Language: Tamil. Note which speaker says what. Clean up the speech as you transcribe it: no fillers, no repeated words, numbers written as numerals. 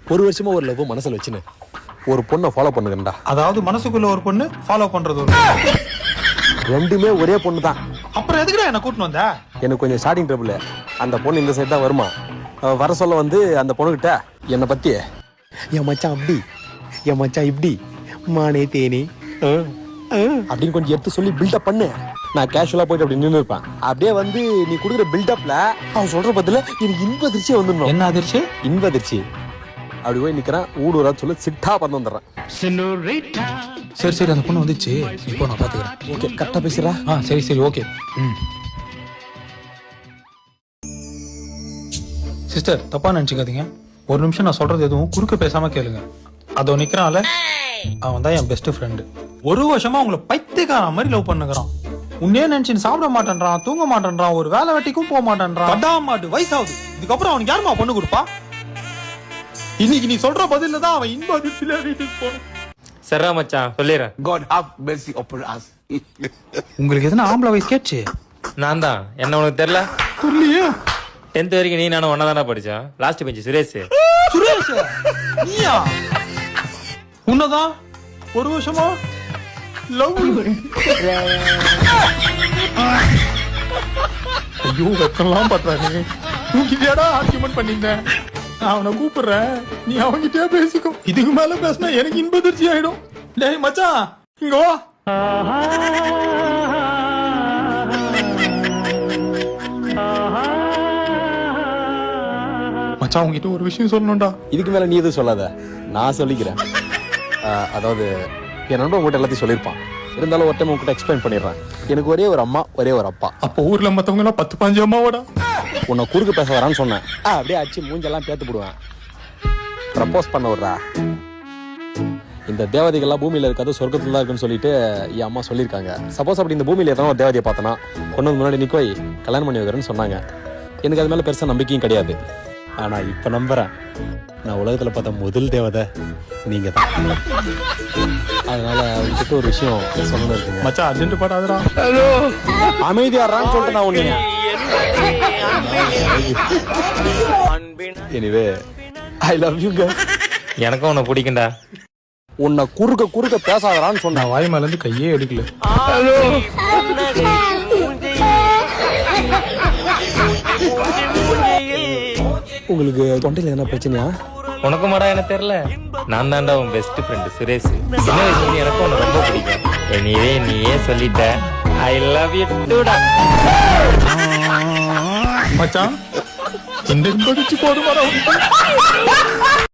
Speaker 1: ஒரு வருஷமா ஒரு லவ் மனசுல வச்சுன்னு ஒரு பொண்ணை ஃபாலோ பண்ணுங்கடா.
Speaker 2: அதாவது மனசுக்குள்ள ஒரு பொண்ணு ஃபாலோ பண்றது ஒரு
Speaker 1: ரெண்டுமே ஒரே பொண்ணு தான்.
Speaker 2: அப்புறம் எதுக்குடா என்ன கூட்டிட்டு வந்த?
Speaker 1: எனக்கு கொஞ்சம் ஸ்டார்டிங் ட்ரபிள். அந்த பொண்ணு இந்த சைடு தான் வருமா. வர சொல்ல வந்து அந்த பொண்ணுகிட்ட என்னை பத்தி என் மச்சான் அப்படி என் மச்சான் இப்படி மானே தேனே அப்படின்னு கொஞ்சம் எடுத்து சொல்லி பில்டப் பண்ணு. நான் கேஷுவலா போயிட்டு அப்படி நின்று இருப்பேன். அப்படியே வந்து நீ கொடுக்குற பில்டப்ல அவன் சொல்ற பதில எனக்கு இன்ப அதிர்ச்சியே வந்துடணும்.
Speaker 2: என்ன அதிர்ச்சி?
Speaker 1: இன்ப அதிர்ச்சி. அப்படி போய் நிக்கிறேன். ஊடுறா சொல்லி சிட்டா பண்ண வந்துடுறேன்.
Speaker 2: சரி சரி, அந்த பொண்ணு வந்துச்சு, இப்போ நான் பாத்துக்கிறேன்.
Speaker 1: ஓகே, கரெக்டா பேசுறா.
Speaker 2: சரி சரி, ஓகே. சிஸ்டர், தப்பா நினைச்சுக்காதீங்க. ஒரு நிமிஷம் நான் சொல்றது எதுவும் குறுக்க பேசாம கேளுங்க. அதோ நிக்கிறான்ல, அவன் தான் என் பெஸ்ட் ஃப்ரெண்டு. ஒரு வருஷமா உங்களை பைத்தியக்கார மாதிரி லவ் பண்ணுகிறான். உன்னே நினைச்சு சாப்பிட மாட்டேன்றான், தூங்க மாட்டேன்றான், ஒரு வேலை வெட்டிக்கும் போக மாட்டேன்றான். படாமாட்டு வயசாகுது. இதுக்கப்புறம் அவனுக்கு யாருமா பொண்ணு கொடுப்பா? இன்னைக்கு நீ சொல்ற பதில தான் அவன் இன்ப அதிர்ச்சியில வீட்டுக்கு போனான்.
Speaker 3: சரா மச்சான், சொல்லிடுறேன்.
Speaker 4: God have mercy upon us.
Speaker 2: உங்களுக்கு எதனா ஆம்பளை வயசு கேட்ச்சு?
Speaker 3: நான் தான். என்ன உனக்கு தெரியல?
Speaker 2: சொல்லியே.
Speaker 3: 10th வரைக்கும் நீ நானும் ஒன்னா தானே படிச்சோம். Last bench Suresh.
Speaker 2: சுரேஷ் நீயா? உன்னதான் ஒரு வருஷமா லவ். ஐயோ, வெக்கலாம் பண்றானே. தூக்கிட்டியாடா ஆர்கியூமெண்ட் பண்ணீங்க. நான் அவனை கூப்பிடுறேன், நீ அவங்கிட்டே பேசிக்கோ. இதுக்கு மேல பேசினா எனக்கு இன்ப அதிர்ச்சி ஆயிடும். டேய் மச்சான், இங்க வா. மச்சான், உங்ககிட்ட ஒரு விஷயம் சொல்லணும்டா.
Speaker 1: இதுக்கு மேல நீ எதுவும் சொல்லாத, நான் சொல்லிக்கிறேன். அதாவது என் நண்பன் உங்ககிட்ட எல்லாத்தையும் சொல்லியிருப்பான். இருந்தாலும் ஒரு டைம் உங்ககிட்ட எக்ஸ்பிளைன் பண்ணிடுறேன். எனக்கு ஒரே ஒரு அம்மா, ஒரே ஒரு அப்பா.
Speaker 2: அப்போ ஊர்ல மத்தவங்க எல்லாம் 10-15 அம்மாவோட
Speaker 1: உன்னை குறுக்கு பேச வரான்னு சொன்னேன். அப்படியே அடிச்சு மூஞ்செல்லாம் பேத்து போடுவேன். ப்ரப்போஸ் பண்ண விடுறா. இந்த தேவதைகள்லாம் பூமியில இருக்காது, சொர்க்கத்துல தான் இருக்குன்னு சொல்லிட்டு என் அம்மா சொல்லியிருக்காங்க. சப்போஸ் அப்படி இந்த பூமியில எத்தனை ஒரு தேவதையை பார்த்தனா கொண்டு வந்து முன்னாடி நிக்கோய் கல்யாணம் பண்ணி வைக்கிறேன்னு சொன்னாங்க. எனக்கு அது மேல பெருசா நம்பிக்கையும் கிடையாது. ஆனா இப்ப நம்புறேன். நான் உலகத்துல பார்த்த முதல் தேவதை நீங்க தான். அதனால அவங்ககிட்ட ஒரு விஷயம் சொல்லணும் இருக்குங்க.
Speaker 2: மச்சான், அர்ஜென்ட் படாதடா.
Speaker 1: அமைதியாடுறான்னு சொல்லிட்டு நான் ஒண்ணு. Anyway, I love you girl.
Speaker 3: எனக்கும் உன்னை பிடிக்கும்டா.
Speaker 1: உன்னை குறுக்க பேசாதடான்னு சொன்ன.
Speaker 2: நான் வாய் மேல இருந்து கையே எடுக்கல.
Speaker 1: உங்களுக்கு தொண்டையில என்ன பிரச்சனையா?
Speaker 3: உனக்கு மாடா எனக்கு தெரியல. நான் தான்டா உன் பெஸ்ட் ஃப்ரெண்டு சுரேஷ். சின்ன வயசுல எனக்கும் உன்னை ரொம்ப பிடிக்கும். நீயே சொல்லிட்ட. ஐ லவ் யூ டூடா.
Speaker 2: மச்சான், இந்த படிச்சு போதுமாடா.